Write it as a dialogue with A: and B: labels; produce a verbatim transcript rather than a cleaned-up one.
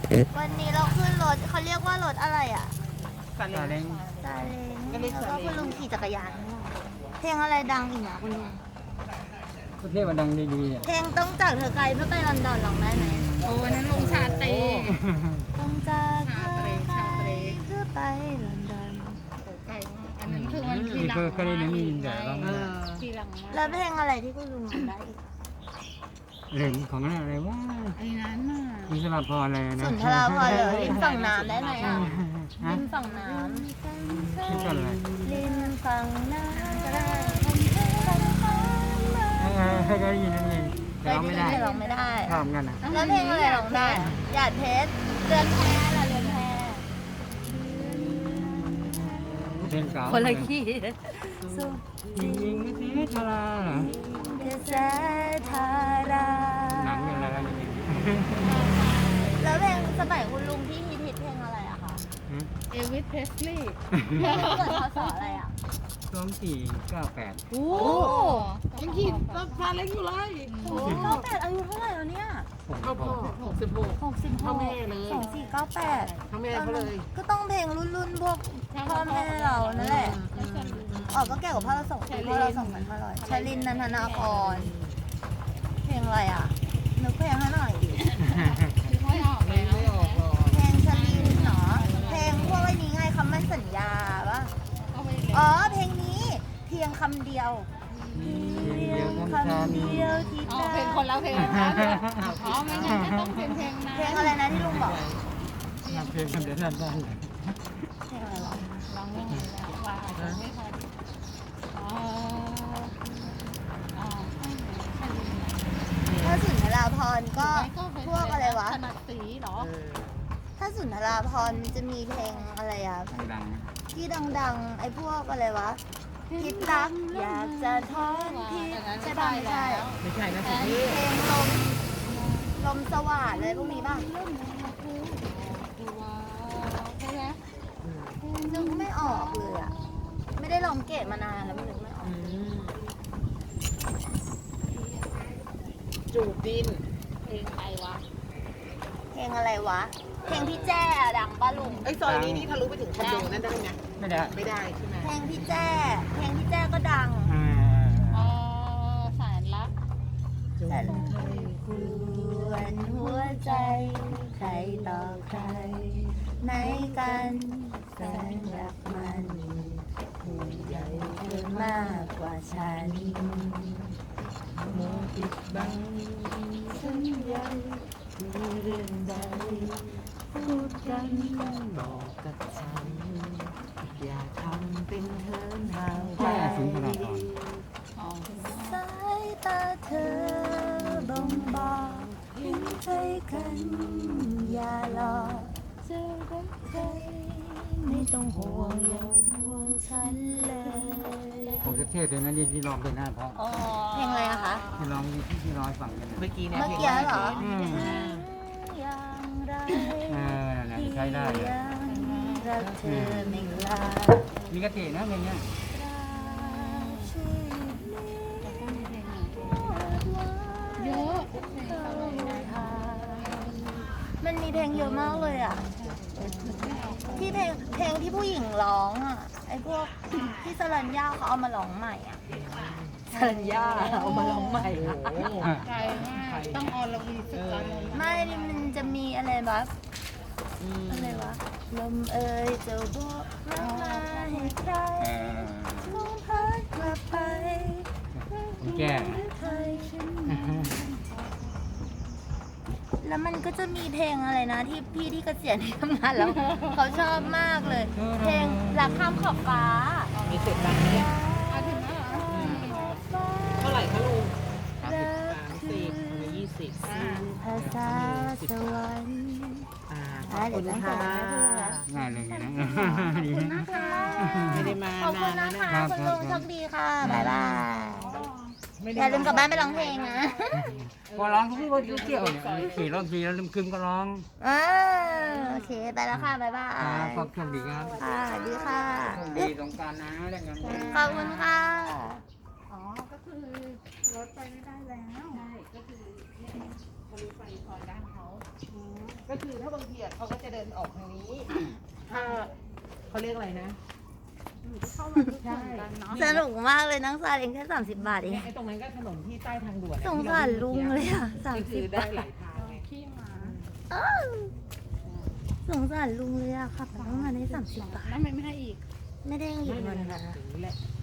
A: วันนี้เราขึ้นรถเขาเรียกว่ารถอะไรอ่ะ
B: ซาเล้ง
A: ซาเล้ง
B: ก็เรียก
A: แล้ว
B: ซา
A: ก็
B: เล้ง
A: คุณลุงขี่จักรยาน เพลงอะไรดังอีกนะคุณลุง
C: ประเทศมันดังดีๆอ่ะ
A: เพลงต้องจากเธอไกลเพื่อไปลอนดอนร้องได้ไหม
D: โอ้วันนั้นลงชาตรี
A: ต้องจากเธอไกลเพื่อไปลอนดอน
D: ไก่มากอันนั้นคือมันที
C: นี่
D: หลัง
C: เคยเคยได้ยินนี่เดี๋ยวลอง
B: เออ
D: ทีหลังมา
A: แล้วเพลงอะไรที่คุณลุงร้องได้อีก
C: เรื่องของอะไรว่า
D: ไอ้นั้นน่ะ
C: อิสระพรอะไรนะ
A: สุนทราภรณ์เหรอริมฝั่งน้ำได้ไหมอ่ะ
C: ฮะ
A: ริมฝั่งน้
C: นี่ก็อะไร
A: ำริมฝั่งน้ำก็ได้
C: เออเคยได้ยินนั่นเองแต่ร้องไม่ได้
A: ร้องไม่ได้
C: ชอบกันนะ
A: แล้วเพลงอะไรร้องได้หยาดเพชรเรือนแพล่ะเรือนแพ
C: เพลงเก่า
A: คนละขี้สุด
C: จริงๆไม่ใช่ทาราเหรอ
A: เทแสทารา
C: หนังอย่างไรแล้วนี่
A: แล้วเพลงสมัยคุณลุงที่ฮิตฮิตเพลงอะไรอะคะ
D: เอวิสเพสลีย์
A: เกิดพศอะไรอะ
C: สองสี่เก้าแปด
D: โอ้ยังขี่รถซาเล้งอยู่เลย
A: โอ้เก้าแปดอายุเท่าไหร่แล้วเนี่ย
C: ผม
B: เข้าพ่อหกสิบหก
A: หกสิบห
B: เท่าก แม่เลย
A: สองสี่เก้าแปด
B: เท่าแม่เขาเลย
A: ก็ต้องเพลงรุ่นรุ่นๆพวกพ่อแม่เรานั่นแหละ
B: อืม
A: อ๋อก็แก่กว่าพ่อเราสองปีพ่อเราสองพันห้าร้อยชลินนันทนาครเพลงอะไรอะนึกเพลงให้หน่อยดิ
D: ไม่ออก
B: ไม่
D: แล้ว
B: ไม่ออกหรอก
A: เพลงชลินเนาะเพลงพวกไอ้นี้ไงคำมั่นสัญญาปะ
D: เอาไป
A: อ๋อเพลงนี้เพียงคำเดียว
C: เดียว
A: คำเดียวที่
D: อ๋อเพลงคนละเพลงนะอ๋อไม่งั้นก็ต้องเป็นเพลงนะ
A: เพลงอะไรนะที่ลุงบอก
C: เพลงคำเดียวนั่นได้
A: เพลงอะไรวะ
D: ลองยังไงแล้วว่าอาจจะไม่ทันอ๋ออ๋อ
A: ถ้าสุนทราภรณ์ก็พวกอะไรวะ
D: ถนัดสีเหรอ
B: เออ
A: ถ้าสุนทราภรณ์มันจะมีเพลงอะไรอะ
C: ดัง
A: ที่ดังๆ ไอ้พวกอะไรวะคิดรักอยากจะทอนที่ใช่ป่ะไม่ใช่
B: ไม่ใช่นะ
A: เพ
B: สิ
A: ลงลมลมสว่านเลยพวกนี้ป่ะ
D: ใช่ไหม
A: นึกไม่ออกเลยอะไม่ได้ลองเกตมานานแล้วไม่นึกไม่ออก
B: อืมจูบดิน
D: เพลงใครวะ
A: เพลงอะไรวะ เพลงพี่แจ้อะดังป้าลุง
B: ไอ้ซอยนี้นี่ทะลุไปถึงคอนโดนั่นได้ไหม
C: ไม่ได้
B: ไม่ได้ใช่ไหม
A: เพลงพี่แจ้ เพลงพี่แจ้ก็ดัง
C: อ่า
D: อ๋อแสนรัก
B: จูบ
A: แต่กวนหัวใจ ใครต่อใครไหนกันแสนรักมันผู้ใหญ่เกินมากกว่าฉันโมปิดบังสัญญามีเรื่องใดพูดกัน
B: บอกกับฉัน อย่าทำเป็นเทินห่างไป
C: แม่สุนทราภรณ์
D: อ๋อ
A: สายตาเธอบ่งบอกเห็นใจกัน อย่าหลอกเจอรักใครไม่ต้องห่วงอย่าห่วงฉันเลย
C: ผมจะเทศเลยนะนี่ที่ร้องเป็นหน้าเพราะ
D: อ๋อ
A: เพลงอะไรอะคะ
C: ที่ร้องที่ที่ร้องให้ฟังกันนะ
B: เมื่อกี้เนี่ย
A: เมื่อกี้เหรอ
C: อืม
A: อย่างไร
C: เออนั่นแหละใช้ได้เลย
A: ยังรักเธอไม่ลา
C: มีกตินะเพลงเนี้ย
A: ชีวิต
D: เยอะ
A: มันมีเพลงเยอะมากเลยอ่ะ ที่เพลงเพลงที่ผู้หญิงร้องอ่ะ ไอ้พวกที่สรัญญาเขาเอามาร้องใหม่อ่ะสรัญญาเอามาร้องใหม่อะ
B: โอ้โห
D: ไกลมากต้องออลวีสุดละลง
A: ไม่มันจะมีอะไรแบบ
B: อืม
A: อะไรวะ ลมเอ่ยจะบอกรักมาให้ใคร
C: เออ
A: ลมพัดกลับไป
C: ผมแก้
A: ใครฉันแล้วมันก็จะมีเพลงอะไรนะ ที่พี่ที่เกษียณที่ทำงานแล้ว เขาชอบมากเลย เพลงรักข้ามขอบฟ้า
B: มีเสร็จดังเนี่ย
D: อ่ะถึงแล้วเหรอ
B: เท่าไหร่คะลุง
A: รัก
B: สามสิบหรือยี่สิบ
A: สื่อภาษาสวรรค์
B: อ่าข
A: อ่ะ
B: อบ
A: เดี๋
B: คุ
A: ยว
B: ณ
A: ตั้งใจ
B: ค่ะ
A: ให้ดูนะ
C: ง่ายเลยนะดีนะ
B: ไม่ได้มา
A: ขอบคุณ
B: นาน
A: นะ
B: แล้ว
A: คะ
B: นะ
A: คุณลุงโชคดีค่ะ บ๊ายบาย
B: ไม่ได้
A: อย่าลืมกลับบ้านไปร้องเพลงนะ
C: พอร้องทุกวันเกี่ยวเนี่ยขี่รถทีแล้วลืมคืนก็ร้อง
A: อ่าโอเค ไปแล้วค่ะ บ๊ายบา
C: อ่า
A: ย
C: ขอบคุณดีครับ
A: ค่ะสวัสดีค่ะ
C: โชคดีสงกรารนะเล่นกัน
A: ขอบคุณค่ะ
D: อ๋อ ก็คือรถไปไม่ได้แล้ว ใช่ ก็คือ
B: ทะลุไปซอยด้านเขาก็คือถ้าบางทีอะเขาก็จะเดินออกทางนี้ ถ้าเขาเรียกอะไรนะ
D: เข้ามาทุกคนกันเนาะ
A: สนุกมากเลยนั่งซาเองแค่สามสิบบาทเอง
B: เนี่ยไอ้ตรงนั้นก็ถนนที่ใต้ทางด่วนอะ
A: สงสารลุงเลยอ่ะสาม
B: ก็
A: สิ
B: คื
A: บ
B: อได้
A: บาท
B: หลายทางไง
D: ขี้หมา
A: อ้าวสงสารลุงเลยอ่ะขับรถมาได้สามสิบบาท
D: แล้วทำไมไม่ให้อีก
A: ไม่ได้หยิบ
B: ไม่
A: เงิ
B: เป็น
A: น
B: ไร
A: นะ
B: อย่างนี้แหละ